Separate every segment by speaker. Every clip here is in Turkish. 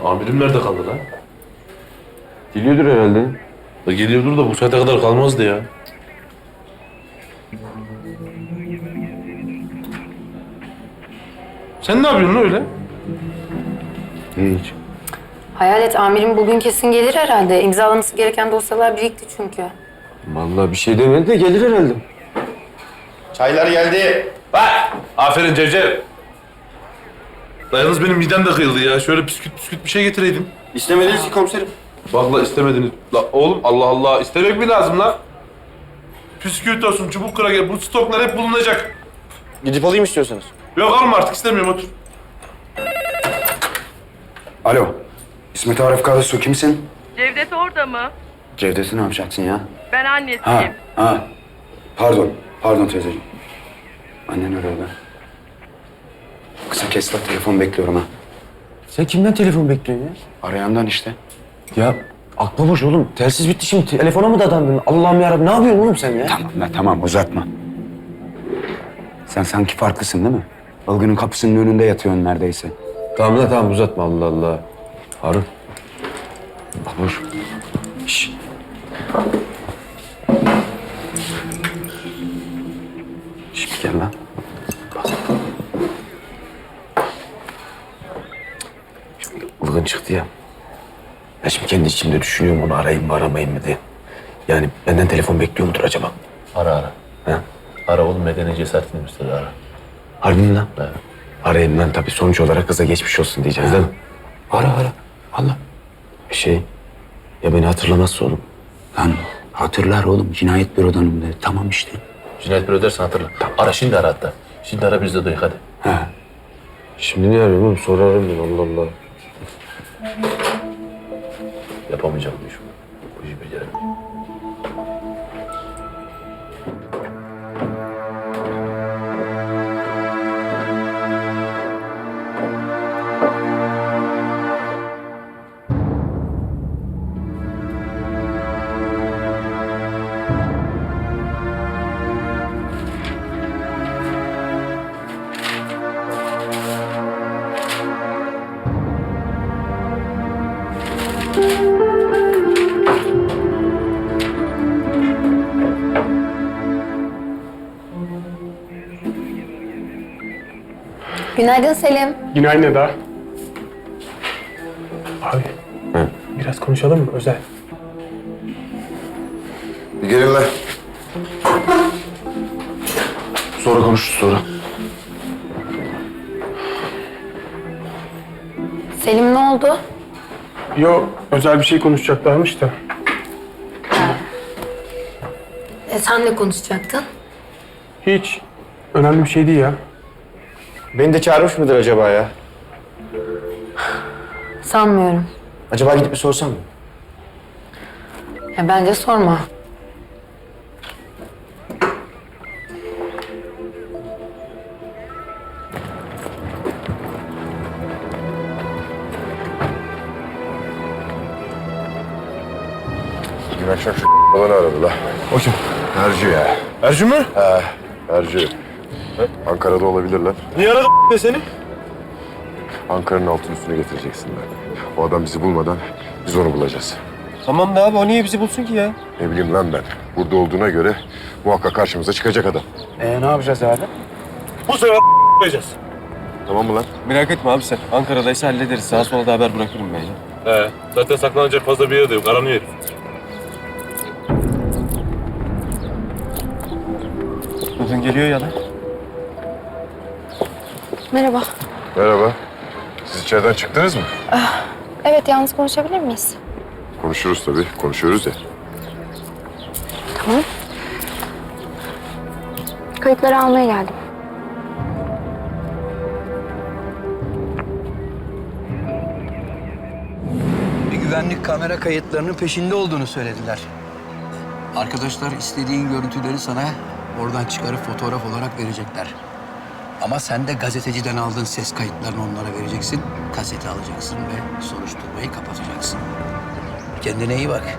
Speaker 1: Amirim nerede kaldı lan?
Speaker 2: Geliyordur herhalde.
Speaker 1: Geliyordur da bu saate kadar kalmazdı ya. Sen ne yapıyorsun lan öyle?
Speaker 2: Hiç.
Speaker 3: Hayalet amirim bugün kesin gelir herhalde. İmzalaması gereken dosyalar birikti çünkü.
Speaker 2: Vallahi bir şey demedi de gelir herhalde.
Speaker 4: Çaylar geldi.
Speaker 1: Bak! Aferin Cevcev. La yalnız benim midem de kıyıldı ya. Şöyle püsküt bir şey getireydin.
Speaker 4: İstemediniz ki komiserim.
Speaker 1: Bak la istemediniz. La oğlum Allah Allah istemek mi lazım la? Püsküvit olsun, çubuk kraker, bu stoklar hep bulunacak.
Speaker 4: Gidip alayım istiyorsanız.
Speaker 1: Yok alma artık istemiyorum otur.
Speaker 5: Alo. İsmet Arif Karasu kimsin?
Speaker 6: Cevdet orada mı?
Speaker 5: Cevdet'i ne yapacaksın ya?
Speaker 6: Ben annesiyim.
Speaker 5: Ha. Pardon teyzeciğim. Annen arıyordu. Kısa kes lan, telefon bekliyorum ha.
Speaker 2: Sen kimden telefon bekliyorsun ya?
Speaker 5: Arayandan işte.
Speaker 2: Ya aklı boş oğlum. Telsiz bitti şimdi. Telefona mı dadandın? Allah'ım yarabbim ne yapıyorsun oğlum sen ya?
Speaker 5: Tamam uzatma. Sen sanki farklısın değil mi? Ilgın'ın kapısının önünde yatıyorsun neredeyse.
Speaker 2: Tamam uzatma Allah Allah. Harun. Babuş. Şşş. Şşş gel lan. Şimdi Ilgın çıktı ya. Ben şimdi kendi içimde düşünüyorum onu arayayım mı aramayayım mı diye. Yani benden telefon bekliyor mudur acaba?
Speaker 1: Ara.
Speaker 2: Ha?
Speaker 1: Ara oğlum medeni cesaretini göster ara.
Speaker 2: Harbi mi lan?
Speaker 1: Evet.
Speaker 2: Arayayım lan tabii sonuç olarak kıza geçmiş olsun diyeceğiz değil mi? Ara. Allah. Ya beni hatırlamazsa oğlum.
Speaker 5: Lan hatırlar oğlum, cinayet bürodanım de. Tamam işte.
Speaker 1: Cinayet büro dersen hatırla. Ara şimdi ara hatta. Şimdi ara biz de duyuk hadi.
Speaker 5: Ha.
Speaker 2: Şimdi ne arıyorum oğlum? Sonra ararım ben Allah Allah.
Speaker 1: Yapamayacağım bu işi. Bu işi beceremeyeceğim.
Speaker 3: Günaydın Selim.
Speaker 7: Günaydın Eda. Abi, biraz konuşalım mı özel?
Speaker 4: Bir gelin lan.
Speaker 2: Sonra konuşuruz sonra.
Speaker 3: Selim ne oldu?
Speaker 7: Yo, özel bir şey konuşacaklarmış da.
Speaker 3: Sen ne konuşacaktın?
Speaker 7: Hiç önemli bir şey değil ya.
Speaker 4: Beni de çağırmış mıdır acaba ya?
Speaker 3: Sanmıyorum.
Speaker 4: Acaba gidip bir sorsam mı?
Speaker 3: Bence sorma.
Speaker 8: Dün akşam şu falan aradı la.
Speaker 1: O kim?
Speaker 8: Ercü ya.
Speaker 1: Ercü mü?
Speaker 8: Ercü. Ankara'da olabilirler.
Speaker 1: Niye aradı seni?
Speaker 8: Ankara'nın altın üstüne getireceksinler. O adam bizi bulmadan biz onu bulacağız.
Speaker 4: Tamam da abi o niye bizi bulsun ki ya?
Speaker 8: Ne bileyim lan ben. Burada olduğuna göre muhakkak karşımıza çıkacak adam.
Speaker 4: Ne yapacağız abi?
Speaker 1: Bu sefer yapacağız.
Speaker 8: Tamam mı lan?
Speaker 4: Merak etme abi sen. Ankara'daysa hallederiz. Sağa sola da haber bırakırım ben ya.
Speaker 1: Zaten saklanacak fazla bir yer de yok. Aranıyor herif.
Speaker 4: Bugün geliyor ya lan.
Speaker 9: Merhaba.
Speaker 8: Merhaba. Siz içeriden çıktınız mı?
Speaker 9: Evet, yalnız konuşabilir miyiz?
Speaker 8: Konuşuruz tabii. Konuşuyoruz ya.
Speaker 9: Tamam. Kayıtları almaya geldim.
Speaker 10: Bir güvenlik kamera kayıtlarının peşinde olduğunu söylediler. Arkadaşlar istediğin görüntüleri sana oradan çıkarıp fotoğraf olarak verecekler. Ama sen de gazeteciden aldığın ses kayıtlarını onlara vereceksin. Kaseti alacaksın ve soruşturmayı kapatacaksın. Kendine iyi bak.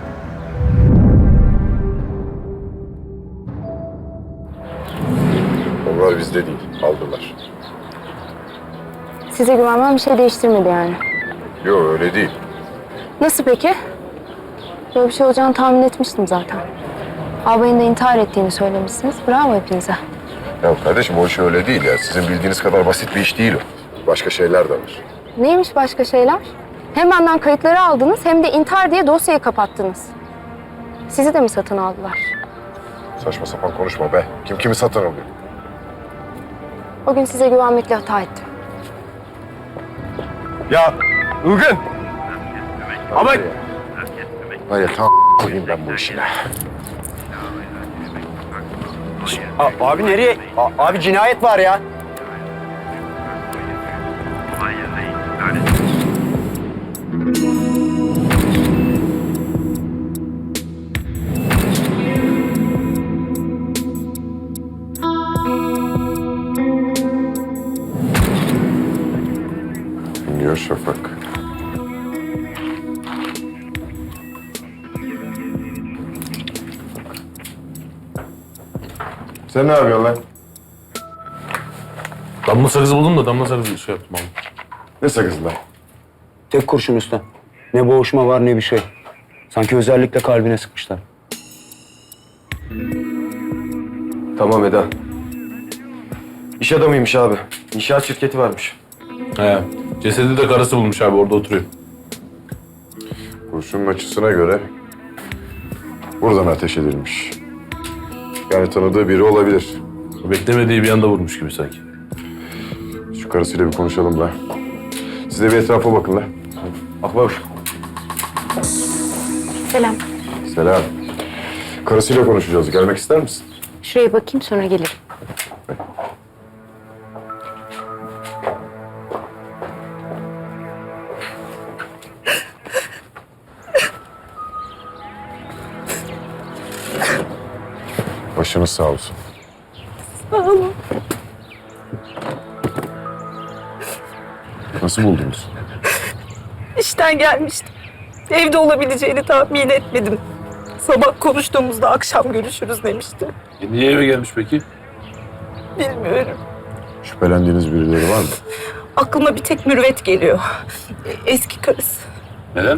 Speaker 8: Onlar bizde değil. Aldılar.
Speaker 9: Size güvenmem bir şey değiştirmedi yani.
Speaker 8: Yok öyle değil.
Speaker 9: Nasıl peki? Böyle bir şey olacağını tahmin etmiştim zaten. Albayın da intihar ettiğini söylemişsiniz. Bravo hepinize.
Speaker 8: Ya kardeşim o iş öyle değil ya. Sizin bildiğiniz kadar basit bir iş değil o. Başka şeyler de var.
Speaker 9: Neymiş başka şeyler? Hem benden kayıtları aldınız hem de intihar diye dosyayı kapattınız. Sizi de mi satın aldılar?
Speaker 8: Saçma sapan konuşma be. Kim kimi satın alıyor?
Speaker 9: O gün size güvenmekle hata ettim.
Speaker 4: Ya Ilgın! Ama
Speaker 8: Var ya tam koyayım ben bu işine.
Speaker 10: Abi nereye? Abi cinayet var ya.
Speaker 8: Dinliyor Şafak. Sen ne yapıyorsun lan?
Speaker 1: Damla sakızı buldum da damla sakızı şey yaptım abi.
Speaker 8: Ne sakızı lan?
Speaker 5: Tek kurşun usta. Ne boğuşma var ne bir şey. Sanki özellikle kalbine sıkmışlar.
Speaker 2: Tamam Eda. İş adamıymış abi. İnşaat şirketi varmış.
Speaker 1: He. Cesedi de karısı bulmuş abi orada oturuyor.
Speaker 8: Kurşunun açısına göre buradan ateş edilmiş. Yani tanıdığı biri olabilir.
Speaker 1: Beklemediği bir anda vurmuş gibi sanki.
Speaker 8: Şu karısıyla bir konuşalım da. Siz de bir etrafa bakın lan.
Speaker 2: Bak bak.
Speaker 9: Selam.
Speaker 8: Selam. Karısıyla konuşacağız. Gelmek ister misin?
Speaker 9: Şuraya bakayım sonra gelirim.
Speaker 8: Başınız sağ olsun.
Speaker 6: Sağ olun.
Speaker 8: Nasıl buldunuz?
Speaker 6: İşten gelmiştim. Evde olabileceğini tahmin etmedim. Sabah konuştuğumuzda akşam görüşürüz demişti.
Speaker 1: Niye eve gelmiş peki?
Speaker 6: Bilmiyorum.
Speaker 8: Şüphelendiğiniz birileri var mı?
Speaker 6: Aklıma bir tek Mürvet geliyor. Eski karısı.
Speaker 1: Neden?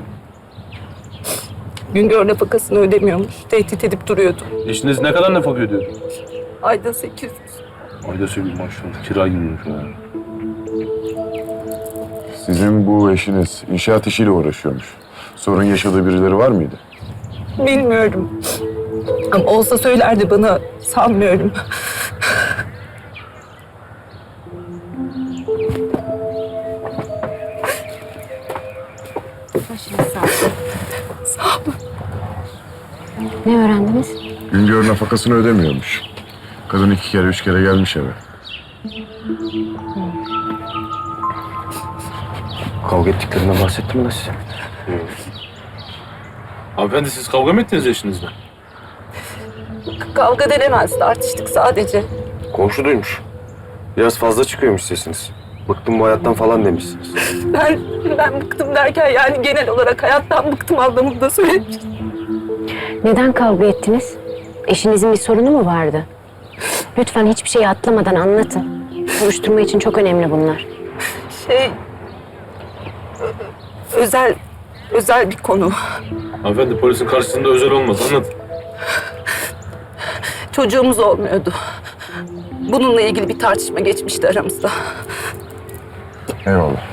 Speaker 6: Güngör nafakasını ödemiyormuş. Tehdit edip duruyordu.
Speaker 1: Eşiniz ne kadar nafaka ödüyor?
Speaker 6: Ayda 800.
Speaker 1: Ayda söyleyeyim maşallah. Kira gibi şu an.
Speaker 8: Sizin bu eşiniz inşaat işiyle uğraşıyormuş. Sorun yaşadığı birileri var mıydı?
Speaker 6: Bilmiyorum. Ama olsa söylerdi bana. Sanmıyorum.
Speaker 9: Başınız sağ olsun.
Speaker 6: Sağ olun.
Speaker 9: Ne öğrendiniz?
Speaker 8: Güngör nafakasını ödemiyormuş. Kadın 2 kere 3 kere gelmiş eve.
Speaker 2: Kavga ettiklerinden bahsettim mi size?
Speaker 1: Hanımefendi siz kavga mı ettiniz eşinizle?
Speaker 6: Kavga denemez. Tartıştık sadece.
Speaker 2: Komşu duymuş. Biraz fazla çıkıyormuş sesiniz. Bıktım bu hayattan falan demişsiniz.
Speaker 6: Ben bıktım derken yani genel olarak hayattan bıktım anlamında söylemiştim.
Speaker 11: Neden kavga ettiniz? Eşinizin bir sorunu mu vardı? Lütfen hiçbir şeyi atlamadan anlatın. Soruşturma için çok önemli bunlar.
Speaker 6: Özel bir konu.
Speaker 1: Hanımefendi polisin karşısında özel olmaz anlatın.
Speaker 6: Çocuğumuz olmuyordu. Bununla ilgili bir tartışma geçmişti aramızda.
Speaker 8: Eyvallah.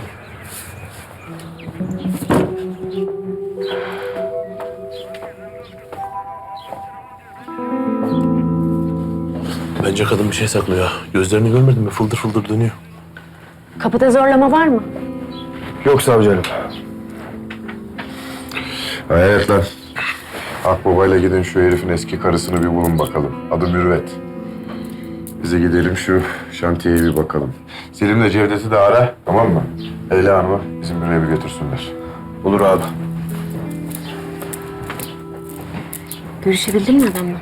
Speaker 1: Bence kadın bir şey saklıyor. Gözlerini görmedin mi? Fıldır fıldır dönüyor.
Speaker 11: Kapıda zorlama var mı?
Speaker 2: Yok savcı hanım.
Speaker 8: Evet lan. Akbaba'yla gidin şu herifin eski karısını bir bulun bakalım. Adı Mürvet. Bize gidelim şu şantiyeye bir bakalım. Selim'le Cevdet'i de ara, tamam mı? Leyla Hanım'ı bizim büroya bir götürsünler.
Speaker 2: Olur abi.
Speaker 11: Görüşebildin mi adamla?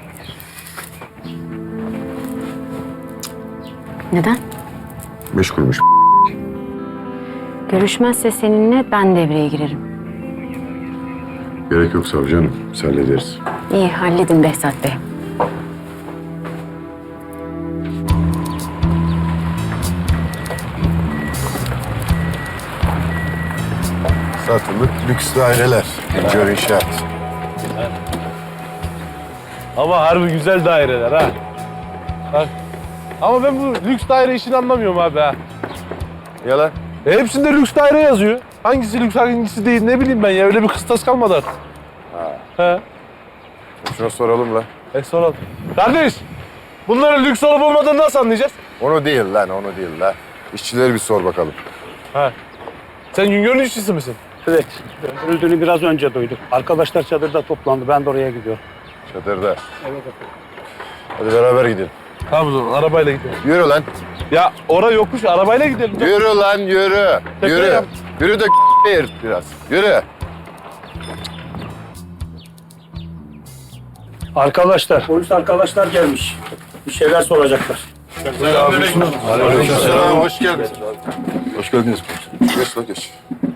Speaker 11: Neden?
Speaker 8: Meşgulmüş.
Speaker 11: Görüşmezse seninle ben devreye girerim.
Speaker 8: Gerek yok savcı hanım. Biz hallederiz.
Speaker 11: İyi halledin Behzat Bey.
Speaker 8: Satılık lüks daireler. Güncel inşaat.
Speaker 1: Ama harbi güzel daireler ha. Bak. Ama ben bu lüks daire işini anlamıyorum abi ha.
Speaker 8: Yalan.
Speaker 1: Hepsinde lüks daire yazıyor. Hangisi lüks hangisi değil ne bileyim ben ya. Öyle bir kıstas kalmadı artık. He.
Speaker 8: Şuna soralım lan.
Speaker 1: Soralım. Kardeş, bunların lüks olup olmadığını nasıl anlayacağız?
Speaker 8: Onu değil lan, onu değil lan. İşçileri bir sor bakalım.
Speaker 1: Ha. Sen Güngör'ün işçisi misin?
Speaker 7: Evet. Öldüğünü biraz önce duydum. Arkadaşlar çadırda toplandı. Ben de oraya gidiyorum.
Speaker 8: Çadırda. Evet Hadi beraber gidelim.
Speaker 1: Tamam o zaman arabayla gidelim.
Speaker 8: Yürü lan.
Speaker 1: Ya oraya yokuş arabayla gidelim.
Speaker 8: Yürü lan yürü.
Speaker 1: Tepeye
Speaker 8: Yürü.
Speaker 1: yap.
Speaker 8: Yürü de yırt biraz. Yürü.
Speaker 7: Arkadaşlar, polis arkadaşlar gelmiş. Bir şeyler soracaklar.
Speaker 8: Aleykümselam. Hoş geldin.
Speaker 4: Hoş geldiniz.
Speaker 8: Geç lan geç.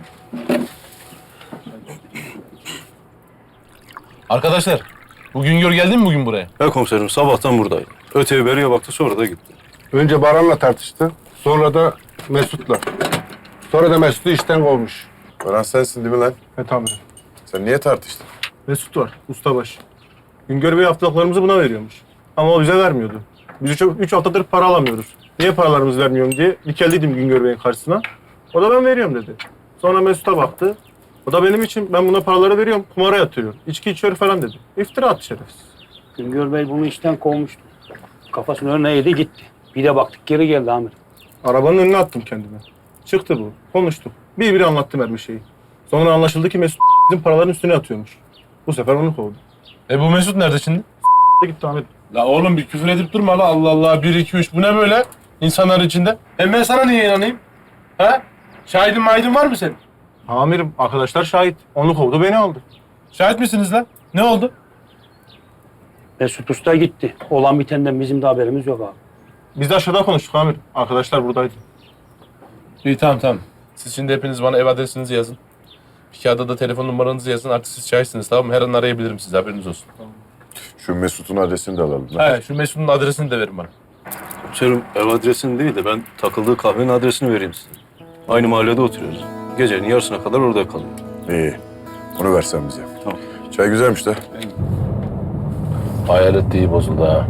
Speaker 1: Arkadaşlar, bu Güngör geldi mi bugün buraya?
Speaker 4: Ya komiserim sabahtan buradaydı. Öteye beriye baktı sonra da gitti.
Speaker 7: Önce Baran'la tartıştı. Sonra da Mesut'la. Sonra da Mesut'u işten kovmuş.
Speaker 8: Baran sensin değil mi lan?
Speaker 7: Evet amirim.
Speaker 8: Sen niye tartıştın?
Speaker 7: Mesut var, ustabaşı. Güngör Bey haftalıklarımızı buna veriyormuş. Ama o bize vermiyordu. Biz 3 haftadır para alamıyoruz. Niye paralarımızı vermiyorum diye dikeldiydim Güngör Bey'in karşısına. O da ben veriyorum dedi. Sonra Mesut'a baktı. O da benim için ben buna paraları veriyorum, kumara yatırıyor. İçki içiyor falan dedi. İftira attı şerefsiz.
Speaker 12: Güngör Bey bunu işten kovmuştu. Kafasının önüne yedi gitti. Bir de baktık geri geldi amirim.
Speaker 7: Arabanın önüne attım kendime. Çıktı bu. Konuştuk. Bir anlattım her bir şeyi. Sonra anlaşıldı ki Mesut bizim paraların üstüne atıyormuş. Bu sefer onu kovdu.
Speaker 1: Bu Mesut nerede şimdi?
Speaker 7: Gitti amirim.
Speaker 1: La oğlum bir küfür edip durma la Allah Allah 1 2 3 bu ne böyle insanlar içinde? Ben sana niye inanayım? Ha? Şahidin var mı senin?
Speaker 7: Amirim arkadaşlar şahit. Onu kovdu beni aldı.
Speaker 1: Şahit misiniz lan? Ne oldu?
Speaker 12: Mesut Usta gitti. Olan bitenden bizim de haberimiz yok abi.
Speaker 7: Biz de aşağıda konuştuk amirim. Arkadaşlar buradaydı.
Speaker 1: İyi tamam. Siz şimdi hepiniz bana ev adresinizi yazın. Bir kağıda da telefon numaranızı yazın. Artık siz şahitsiniz tamam mı? Her an arayabilirim sizi haberiniz olsun.
Speaker 8: Şu Mesut'un adresini de alalım lan.
Speaker 1: He şu Mesut'un adresini de verin bana.
Speaker 4: Komiserim ev adresini değil de ben takıldığı kahvenin adresini vereyim size. Aynı mahallede oturuyoruz. Gecenin yarısına kadar orada kalıyor.
Speaker 8: İyi. Onu versen bize.
Speaker 4: Tamam.
Speaker 8: Çay güzelmiş de.
Speaker 1: Hayalet iyi bozuldu ha.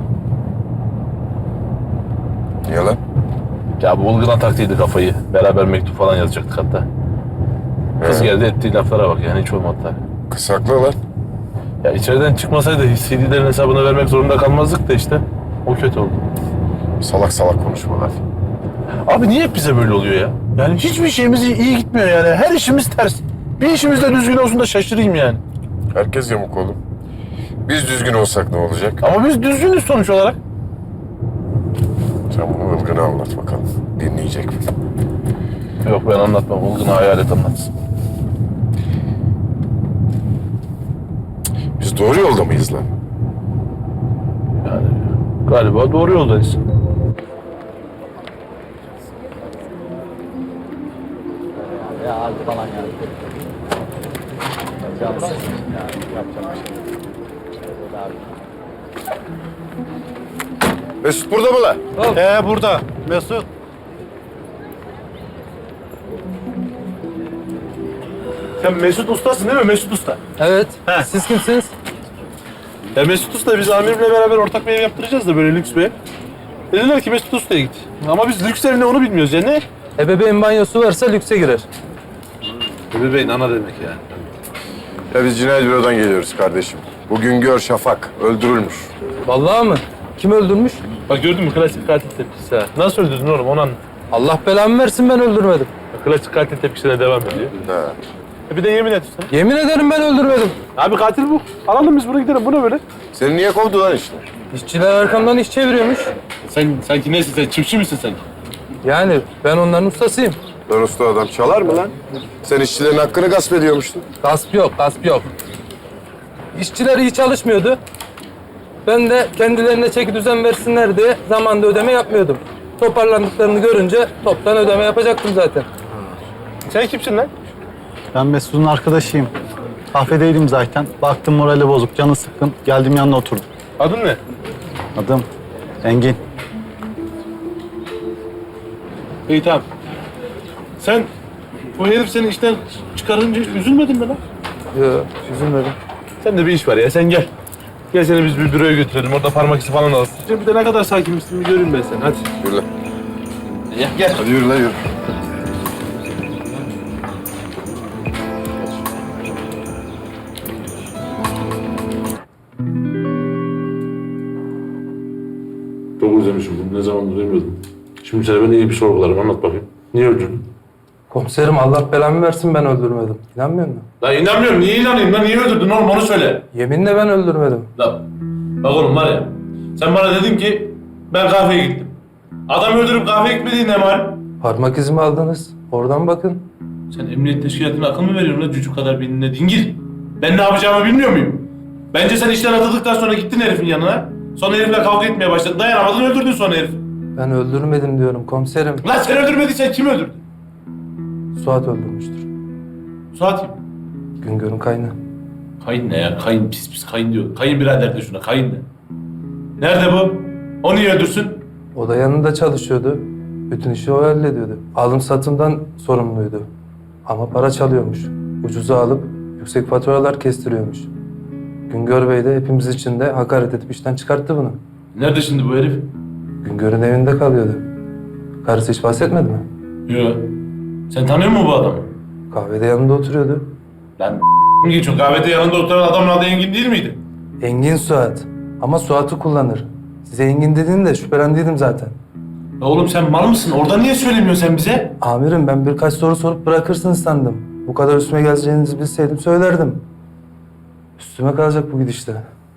Speaker 8: Niye lan?
Speaker 1: Ya bu Ilgın'a taktıydı kafayı. Beraber mektup falan yazacaktık hatta. Kız geldi ettiği laflara bak yani hiç olmadı tabii.
Speaker 8: Kısakla lan.
Speaker 1: Ya içeriden çıkmasaydı CD'lerin hesabını vermek zorunda kalmazdık da işte. O kötü oldu.
Speaker 8: Salak salak konuşmalar.
Speaker 1: Abi niye hep bize böyle oluyor ya? Yani hiçbir şeyimiz iyi gitmiyor yani. Her işimiz ters. Bir işimiz de düzgün olsun da şaşırayım yani.
Speaker 8: Herkes yamuk oğlum. Biz düzgün olsak ne olacak?
Speaker 1: Ama biz düzgünüz sonuç olarak.
Speaker 8: Sen bunu Ilgın'a anlat bakalım. Dinleyecek mi?
Speaker 1: Yok ben anlatmam. Ilgın'a hayalet anlatsın.
Speaker 8: Biz doğru yolda mıyız lan?
Speaker 1: Yani galiba doğru yoldayız.
Speaker 8: Mesut burada mı lan?
Speaker 7: Burada. Mesut.
Speaker 1: Sen Mesut Usta'sın değil mi? Mesut Usta.
Speaker 12: Evet. Siz kimsiniz?
Speaker 1: Ya Mesut Usta biz amirimle beraber ortak bir ev yaptıracağız da böyle lüks bir ev. Dediler ki Mesut Usta'ya git. Ama biz lüks ev ne onu bilmiyoruz ya ne?
Speaker 12: Ebeveyn banyosu varsa lükse girer.
Speaker 1: Bebeğin ana demek yani.
Speaker 8: Ya biz cinayet bürodan geliyoruz kardeşim. Bugün gör Şafak öldürülmüş.
Speaker 12: Vallahi mı? Kim öldürmüş?
Speaker 1: Bak gördün mü klasik katil tepkisi ha. Nasıl öldürdün oğlum onu anlat.
Speaker 12: Allah belamı versin ben öldürmedim.
Speaker 1: Klasik katil tepkisine devam ediyor.
Speaker 8: Ha.
Speaker 1: Bir de yemin et sen.
Speaker 12: Yemin ederim ben öldürmedim.
Speaker 1: Abi katil bu. Alalım biz bunu gidelim. Bu ne böyle?
Speaker 8: Seni niye kovdu lan işte?
Speaker 12: İşçiler arkamdan iş çeviriyormuş.
Speaker 1: Sen sanki nesin sen? Çiftçi misin sen?
Speaker 12: Yani ben onların ustasıyım.
Speaker 8: Lan usta adam çalar mı lan? Sen işçilerin hakkını gasp ediyormuştun.
Speaker 12: Gasp yok, gasp yok. İşçiler iyi çalışmıyordu. Ben de kendilerine çeki düzen versinler diye zamanda ödeme yapmıyordum. Toparlandıklarını görünce toptan ödeme yapacaktım zaten.
Speaker 1: Sen kimsin lan?
Speaker 13: Ben Mesut'un arkadaşıyım. Kafedeydim zaten. Baktım morali bozuk, canı sıkkın. Geldim yanına oturdum.
Speaker 1: Adın ne?
Speaker 13: Adım Engin.
Speaker 1: İyi tamam. Sen O herif seni işten çıkarınca hiç üzülmedin mi lan?
Speaker 12: Yok, üzülmedim.
Speaker 1: Sen de bir iş var ya, sen gel. Gel seni biz bir büroya götürelim, orada parmak izi falan alırsın. Bir de ne kadar sakinmişsin bir göreyim ben seni, hadi.
Speaker 8: Yürü lan.
Speaker 1: Gel.
Speaker 8: Hadi yürü lan yürü.
Speaker 1: Çok özlemişim bunu, ne zamandır duymuyordum. Şimdi sen beni iyi bir sorgularım, anlat bakayım. Niye öldürdün?
Speaker 12: Komiserim Allah belamı versin ben öldürmedim. İnanmıyor musun?
Speaker 1: Lan inanmıyorum, niye inanayım lan? Niye öldürdün oğlum, onu söyle.
Speaker 12: Yeminle ben öldürmedim.
Speaker 1: Lan bak oğlum var ya, sen bana dedin ki ben kahveye gittim. Adam öldürüp kahveye gitmediğin ne var?
Speaker 12: Parmak izimi aldınız. Oradan bakın.
Speaker 1: Sen emniyet teşkilatına akıl mı veriyorsun lan çocuk kadar beynine dingil? Ben ne yapacağımı bilmiyor muyum? Bence sen işten atıldıktan sonra gittin herifin yanına. Sonra herifle kavga etmeye başladın. Dayanamadın öldürdün sonra herifi.
Speaker 12: Ben öldürmedim diyorum komiserim.
Speaker 1: Lan sen öldürmediysen kim öldürdü?
Speaker 12: Suat öldürmüştür.
Speaker 1: Suat kim?
Speaker 12: Güngör'ün kaynağı.
Speaker 1: Kayın ne ya? Kayın pis kayın diyor. Kayın birader de şuna kayın ne? Nerede bu? O niye öldürsün?
Speaker 12: O da yanında çalışıyordu. Bütün işi o hallediyordu. Alım satımdan sorumluydu. Ama para çalıyormuş. Ucuza alıp yüksek faturalar kestiriyormuş. Güngör Bey de hepimiz için de hakaret edip işten çıkarttı bunu.
Speaker 1: Nerede şimdi bu herif?
Speaker 12: Güngör'ün evinde kalıyordu. Karısı hiç bahsetmedi mi?
Speaker 1: Yok. Sen tanıyor musun bu adamı?
Speaker 12: Kahvede yanında oturuyordu.
Speaker 1: Lan geçiyor. Kahvede yanında oturan adamın adı Engin değil miydi?
Speaker 12: Engin Suat. Ama Suat'ı kullanır. Size Engin dediğinde şüphelendiydim zaten.
Speaker 1: Ya oğlum sen mal mısın? Orada niye söylemiyorsun sen bize?
Speaker 12: Amirim ben birkaç soru sorup bırakırsınız sandım. Bu kadar üstüme geleceğinizi bilseydim söylerdim. Üstüme kalacak bu gidişte.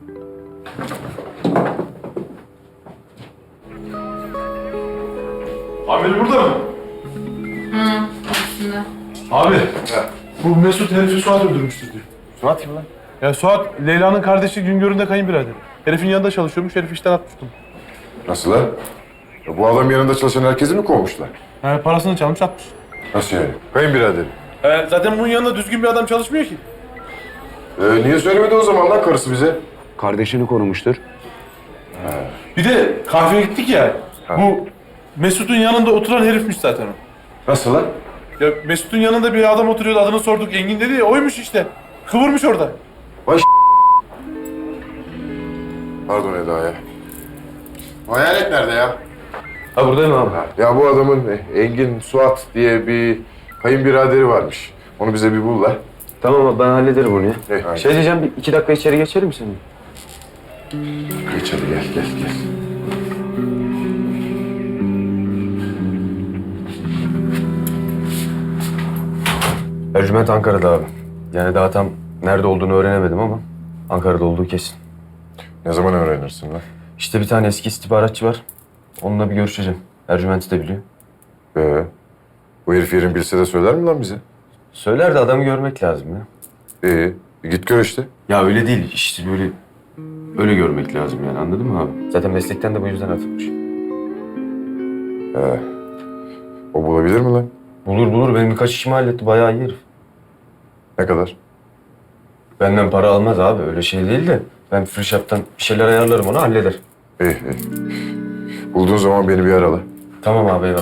Speaker 1: Amir burada mı?
Speaker 3: Aslında.
Speaker 1: Abi. Bu Mesut herifi Suat öldürmüştür diyor.
Speaker 2: Suat kim lan?
Speaker 1: Ya Suat, Leyla'nın kardeşi Güngör'ün de kayınbiraderi. Herifin yanında çalışıyormuş, herif işten atmıştı.
Speaker 8: Nasıl lan? Ya bu adam yanında çalışan herkesi mi kovmuşlar?
Speaker 1: He, parasını çalmış atmış.
Speaker 8: Nasıl yani? Kayınbiraderim.
Speaker 1: Zaten bunun yanında düzgün bir adam çalışmıyor ki.
Speaker 8: Niye söylemedi o zaman lan karısı bize?
Speaker 2: Kardeşini korumuştur.
Speaker 1: Bir de kahveye gittik ya. Bu Mesut'un yanında oturan herifmiş zaten o.
Speaker 8: Nasıl lan?
Speaker 1: Ya Mesut'un yanında bir adam oturuyordu, adını sorduk, Engin dedi ya, oymuş işte. Kıvırmış orada.
Speaker 8: Pardon Eda ya. Bu hayalet nerede ya?
Speaker 1: Ha buradayım abi.
Speaker 8: Ya bu adamın Engin Suat diye bir kayınbiraderi varmış. Onu bize bir bul la.
Speaker 2: Tamam abi ben hallederim onu ya.
Speaker 8: Aynen.
Speaker 2: Şey diyeceğim bir 2 dakika içeri geçelim mi senin?
Speaker 8: Geç hadi gel.
Speaker 2: Ercüment Ankara'da abi. Yani daha tam nerede olduğunu öğrenemedim ama Ankara'da olduğu kesin.
Speaker 8: Ne zaman öğrenirsin lan?
Speaker 2: İşte bir tane eski istihbaratçı var. Onunla bir görüşeceğim. Ercüment'i de biliyor.
Speaker 8: Bu herif yerin bilse de söyler mi lan bize?
Speaker 2: Söyler de adamı görmek lazım ya.
Speaker 8: Git gör işte.
Speaker 2: Ya öyle değil. İşte böyle öyle görmek lazım yani anladın mı abi? Zaten meslekten de bu yüzden atılmış.
Speaker 8: O bulabilir mi lan?
Speaker 2: Bulur. Benim birkaç işimi halletti. Bayağı iyi herif.
Speaker 8: Ne kadar?
Speaker 2: Benden para almaz abi. Öyle şey değil de. Ben free shop'tan bir şeyler ayarlarım ona halleder.
Speaker 8: İyi. Bulduğun zaman beni bir ara.
Speaker 2: Tamam abi eyvallah.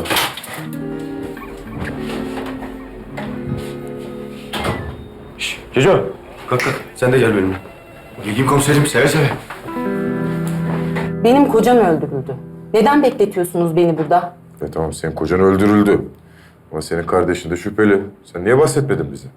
Speaker 5: Çocuğum.
Speaker 2: Kalk. Sen de gel benimle.
Speaker 5: Bilgin komiserim seve seve.
Speaker 6: Benim kocam öldürüldü. Neden bekletiyorsunuz beni burada?
Speaker 8: Tamam senin kocan öldürüldü. Ama senin kardeşin de şüpheli. Sen niye bahsetmedin bize?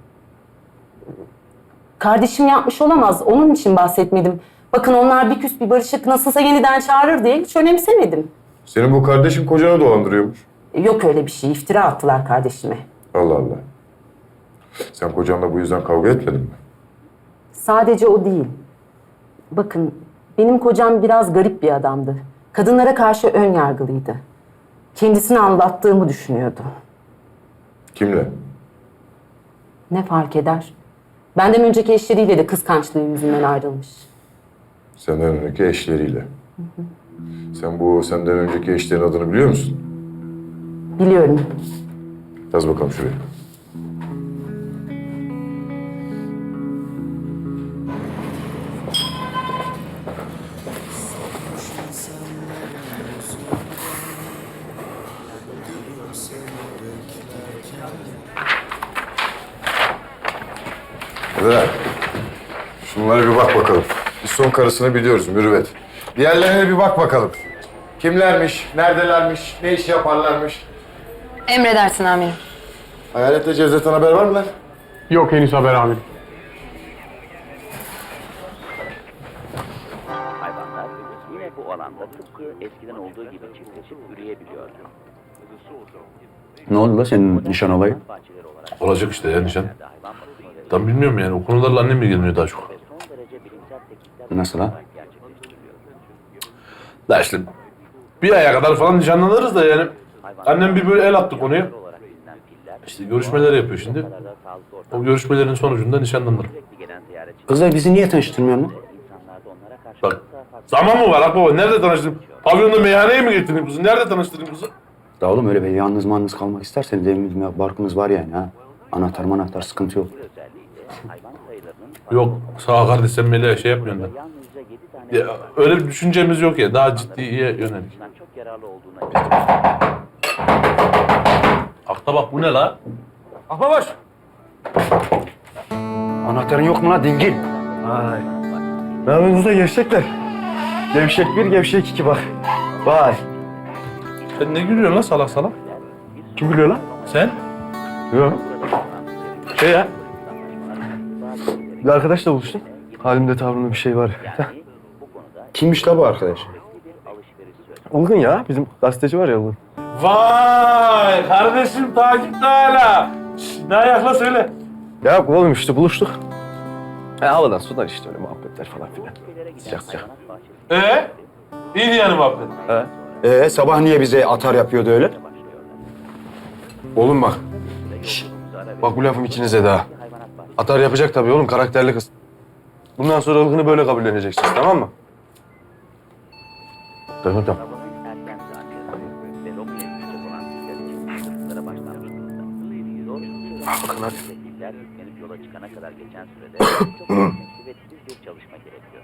Speaker 6: Kardeşim yapmış olamaz. Onun için bahsetmedim. Bakın onlar bir küs bir barışık nasılsa yeniden çağırır diye hiç önemsemedim.
Speaker 8: Senin bu kardeşin kocanı dolandırıyormuş.
Speaker 6: Yok öyle bir şey. İftira attılar kardeşime.
Speaker 8: Allah Allah. Sen kocanla bu yüzden kavga etmedin mi?
Speaker 6: Sadece o değil. Bakın benim kocam biraz garip bir adamdı. Kadınlara karşı ön yargılıydı. Kendisini anlattığımı düşünüyordu.
Speaker 8: Kimle?
Speaker 6: Ne fark eder? Benden önceki eşleriyle de kıskançlığı yüzünden ayrılmış.
Speaker 8: Senden önceki eşleriyle. Sen bu senden önceki eşlerin adını biliyor musun?
Speaker 6: Biliyorum.
Speaker 8: Yaz bakalım şuraya. Eda, şunlara bir bak bakalım. Biz son karısını biliyoruz Mürüvvet. Diğerlerine bir bak bakalım. Kimlermiş, neredelermiş, ne iş yaparlarmış?
Speaker 3: Emredersin amirim.
Speaker 8: Hayalet'le Cevdet'ten haber var mı lan?
Speaker 7: Yok henüz haber amirim.
Speaker 14: Hayvanlar yine bu alanda tıpkı eskiden olduğu gibi çiftleşip üreyebiliyordu.
Speaker 5: Ne oldu la senin nişan olayı?
Speaker 1: Olacak işte ya nişan. Tam bilmiyorum yani. O konularla annem ilgileniyor daha çok.
Speaker 5: Nasıl ha?
Speaker 1: Da işte bir aya kadar falan nişanlanırız da yani. Annem bir böyle el attı konuya. İşte görüşmeler yapıyor şimdi. O görüşmelerin sonucunda nişanlanırım.
Speaker 5: Kızlar bizi niye tanıştırmıyorsun lan?
Speaker 1: Bak zaman mı var akbaba? Nerede tanıştırayım? Pavyonda meyhaneye mi getireyim kızı? Nerede tanıştırayım kızı?
Speaker 5: Da oğlum öyle bir yalnız kalmak isterseniz evimiz, barkımız var yani ha. Anahtar sıkıntı yok.
Speaker 1: Yok sağ ol kardeş sen Melih'e şey yapmıyorsun da. Ya, öyle bir düşüncemiz yok ya. Daha ciddiye yönelik. Akta bak bu ne la?
Speaker 7: Ahbabaş!
Speaker 5: Anahtarın yok mu la dingil?
Speaker 7: Vay. Ne yapıyorsunuz da gevşekler? Gevşek 1, gevşek 2 bak. Vay.
Speaker 1: Sen ne gülüyorsun la salak salak?
Speaker 7: Kim gülüyor lan?
Speaker 1: Sen?
Speaker 7: Yok. Şey ya. Bir arkadaşla buluştum. Halimde tavrımda bir şey var.
Speaker 5: Kimmiş la bu arkadaş?
Speaker 7: Ilgın ya. Bizim gazeteci var ya Ilgın.
Speaker 1: Vay kardeşim takipte hala. Ne ayakla söyle.
Speaker 7: Ya oğlum işte buluştuk. Havadan sudan işte öyle muhabbetler falan filan. Sıcak sıcak.
Speaker 1: İyiydi yani muhabbet.
Speaker 5: Sabah niye bize atar yapıyordu öyle?
Speaker 7: Oğlum bak. Şişt. Bak bu lafım içinize daha. Atar yapacak tabii oğlum, karakterli kız. Bundan sonra Ilgın'ı böyle kabulleneceksiniz, tamam mı? Tamam. Bakın hadi.
Speaker 14: Yola çıkana kadar geçen sürede çok kuvvetli bir çalışma gerekiyor.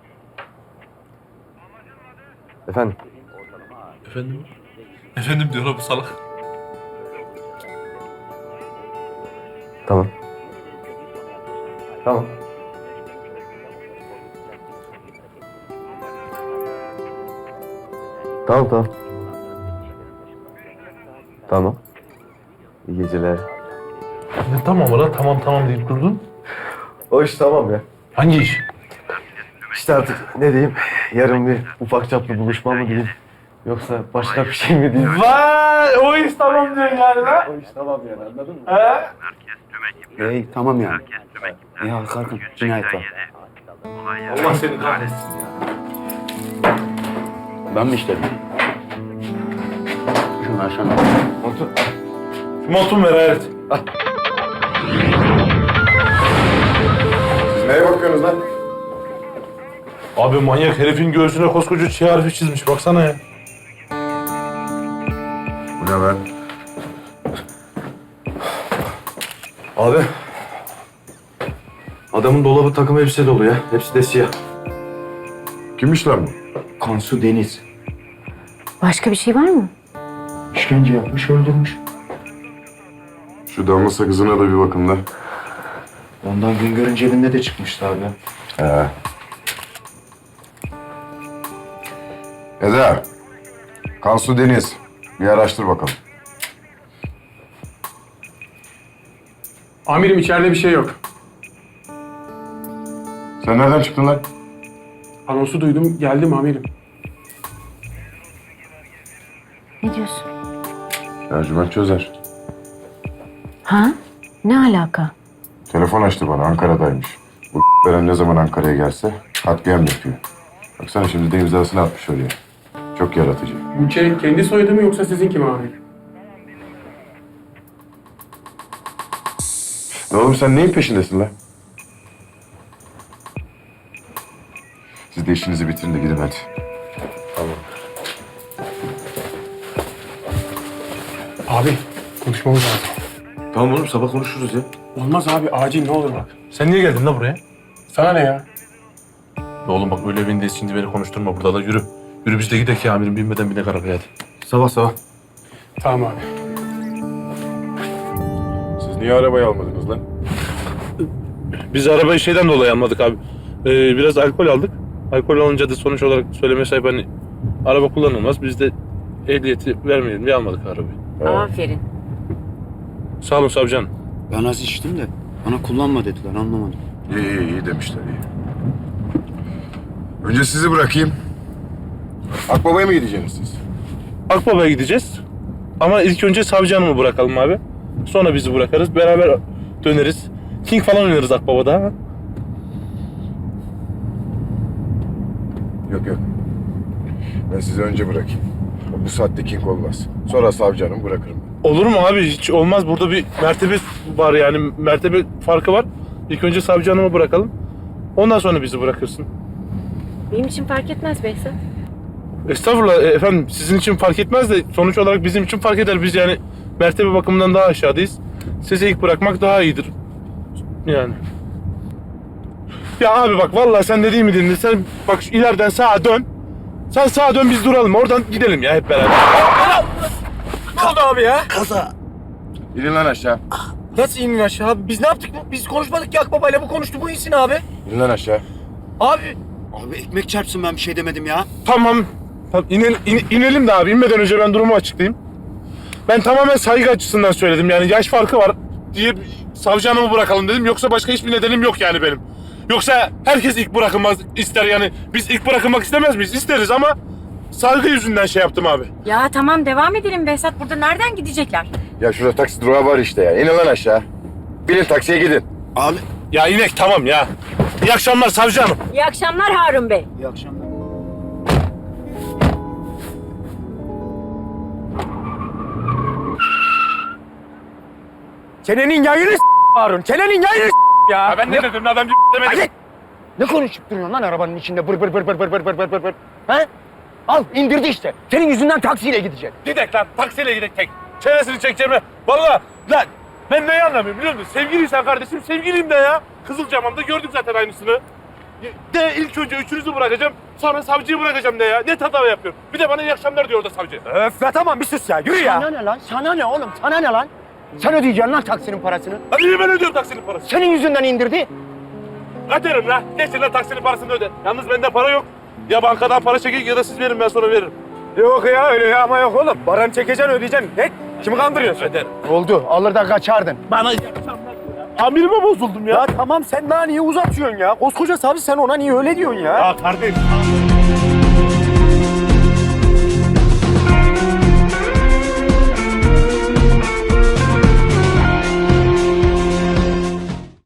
Speaker 7: Efendim?
Speaker 1: Efendim? Efendim diyor la bu salak.
Speaker 7: Tamam. Tamam. Tamam. Tamam. İyi geceler.
Speaker 1: Ne tamam la tamam deyip durdun.
Speaker 7: O iş tamam ya.
Speaker 1: Hangi iş?
Speaker 7: İşte artık ne diyeyim, yarın bir ufak çaplı buluşma mı diyeyim, yoksa başka bir şey mi diyeyim?
Speaker 1: Vay o iş tamam diyorsun yani la.
Speaker 7: O iş tamam yani, anladın mı?
Speaker 5: Hey tamam ya. Ya kalkın cinayet var.
Speaker 1: Allah seni kahretsin ya.
Speaker 5: Ben mi işledim? Şunu aşağı.
Speaker 1: Montum ver hayret.
Speaker 8: Siz neye bakıyorsunuz lan?
Speaker 1: Abi manyak herifin göğsüne koskoca çiğ harfi çizmiş baksana ya.
Speaker 8: Bu ne ben?
Speaker 7: Abi, adamın dolabı takım elbise dolu ya, hepsi de siyah.
Speaker 8: Kimmiş lan bu?
Speaker 5: Kansu Deniz.
Speaker 11: Başka bir şey var mı?
Speaker 5: İşkence yapmış, öldürmüş.
Speaker 8: Şu damla sakızına da bir bakın da.
Speaker 5: Ondan Güngör'ün cebinde de çıkmıştı abi.
Speaker 8: Eda, Kansu Deniz. Bir araştır bakalım.
Speaker 7: Amirim içeride bir şey yok.
Speaker 8: Sen nereden çıktın lan?
Speaker 7: Anonsu duydum, geldim amirim.
Speaker 11: Ne diyorsun?
Speaker 8: Ercüment Çözer.
Speaker 11: Ha? Ne alaka?
Speaker 8: Telefon açtı bana, Ankara'daymış. Bu veren ne zaman Ankara'ya gelse katliam yapıyor. Baksana şimdi de imzasını atmış oraya. Çok yaratıcı.
Speaker 7: Bu şey kendi soyadı mı yoksa sizinki mi amirim?
Speaker 8: Ne oğlum sen neyin peşindesin lan? Siz de işinizi bitirin de gidin hadi.
Speaker 7: Tamam. Abi, konuşmamız lazım.
Speaker 1: Tamam oğlum sabah konuşuruz ya.
Speaker 7: Olmaz abi, acil ne olur bak.
Speaker 1: Sen niye geldin la buraya?
Speaker 7: Sana ne ya?
Speaker 1: Oğlum bak öyle evindeyiz şimdi beni konuşturma burada da yürü. Yürü biz de gidelim ki amirim binmeden binek arabaya hadi.
Speaker 7: Sabah. Tamam abi.
Speaker 8: Siz niye arabayı almadınız lan?
Speaker 1: Biz arabayı şeyden dolayı almadık abi. Biraz alkol aldık. Alkol alınca da sonuç olarak söyleme sahip hani araba kullanılmaz. Biz de ehliyeti vermeyelim diye almadık arabayı.
Speaker 11: Aferin.
Speaker 1: Sağ olun savcım.
Speaker 5: Ben az içtim de bana kullanma dediler, anlamadım.
Speaker 8: İyi demişler iyi. Önce sizi bırakayım. Akbaba'ya mı gideceksiniz siz?
Speaker 1: Akbaba'ya gideceğiz. Ama ilk önce savcı hanımı bırakalım abi. Sonra bizi bırakarız. Beraber döneriz. King falan oynarız Akbaba'da ama.
Speaker 8: Yok. Ben sizi önce bırakayım. Bu saatte king olmaz. Sonra savcı hanım bırakırım.
Speaker 1: Olur mu abi? Hiç olmaz. Burada bir mertebe var yani. Mertebe farkı var. İlk önce savcı hanımı bırakalım. Ondan sonra bizi bırakırsın.
Speaker 11: Benim için fark etmez Behzat.
Speaker 1: Estağfurullah efendim. Sizin için fark etmez de sonuç olarak bizim için fark eder. Biz yani mertebe bakımından daha aşağıdayız. Sizi ilk bırakmak daha iyidir. Yani. Ya abi bak vallahi sen dediğimi dinle. Sen bak şu ileriden sağa dön. Sen sağa dön biz duralım. Oradan gidelim ya hep beraber.
Speaker 12: Ne oldu abi ya?
Speaker 8: İnin lan aşağı.
Speaker 12: Nasıl inin aşağı abi? Biz ne yaptık? Biz konuşmadık ki Akbaba'yla. Bu konuştu, bu insin abi.
Speaker 8: İnin lan aşağı.
Speaker 12: Abi.
Speaker 5: Abi ekmek çarpsın, ben bir şey demedim ya.
Speaker 1: Tamam. İnelim de abi. İnmeden önce ben durumu açıklayayım. Ben tamamen saygı açısından söyledim. Yani yaş farkı var diye savcı hanımı bırakalım dedim. Yoksa başka hiçbir nedenim yok yani benim. Yoksa herkes ilk bırakılmak ister yani. Biz ilk bırakılmak istemez miyiz? İsteriz ama saygı yüzünden şey yaptım abi.
Speaker 11: Ya tamam devam edelim Behzat. Burada nereden gidecekler?
Speaker 8: Ya şurada taksi durağı var işte ya. İnin lan aşağı. Binin taksiye gidin.
Speaker 5: Abi.
Speaker 1: Ya inek tamam ya. İyi akşamlar savcı hanım.
Speaker 11: İyi akşamlar Harun Bey.
Speaker 5: İyi akşamlar.
Speaker 12: Çenenin yayını Harun. Çenenin yayını ya.
Speaker 1: Ben ne dedim? Adam demedim.
Speaker 12: Hadi. Ne konuşup duruyorsun lan arabanın içinde bır bır bır bır bır bır bır bır bır. He? Al indirdi işte. Senin yüzünden taksiyle gidecek.
Speaker 1: Gidek lan taksiyle gidek tek. Çenesini çekeceğime. Vallahi lan ben neyi anlamıyorum biliyor musun? Sevgiliysen kardeşim sevgiliyim de ya. Kızılcamam'da gördük zaten aynısını. De ilk önce üçünüzü bırakacağım. Sonra savcıyı bırakacağım de ya. Ne tatava yapıyorum. Bir de bana iyi akşamlar diyor orada savcı.
Speaker 12: Öf be tamam bir sus ya. Yürü ya. Sana ne lan? Sana ne oğlum? Sana ne lan? Sen ödeyeceksin lan taksinin parasını.
Speaker 1: Hadi niye ben ödüyorum taksinin parasını?
Speaker 12: Senin yüzünden indirdi.
Speaker 1: Öderim lan. Geçin lan taksinin parasını öde. Yalnız bende para yok. Ya bankadan para çekin ya da siz verin ben sonra veririm.
Speaker 12: Yok ya öyle ya ama yok oğlum. Paranı çekeceksin ödeyeceksin. Ne? Kimi kandırıyorsun?
Speaker 1: Öderim.
Speaker 12: Oldu. Alır da kaçardın.
Speaker 1: Bana iyi akşamlar diyor ya. Amirime bozuldum ya.
Speaker 12: Ya tamam sen daha niye uzatıyorsun ya? Koskoca savcı sen ona niye öyle diyorsun ya?
Speaker 1: Ya kardeşim.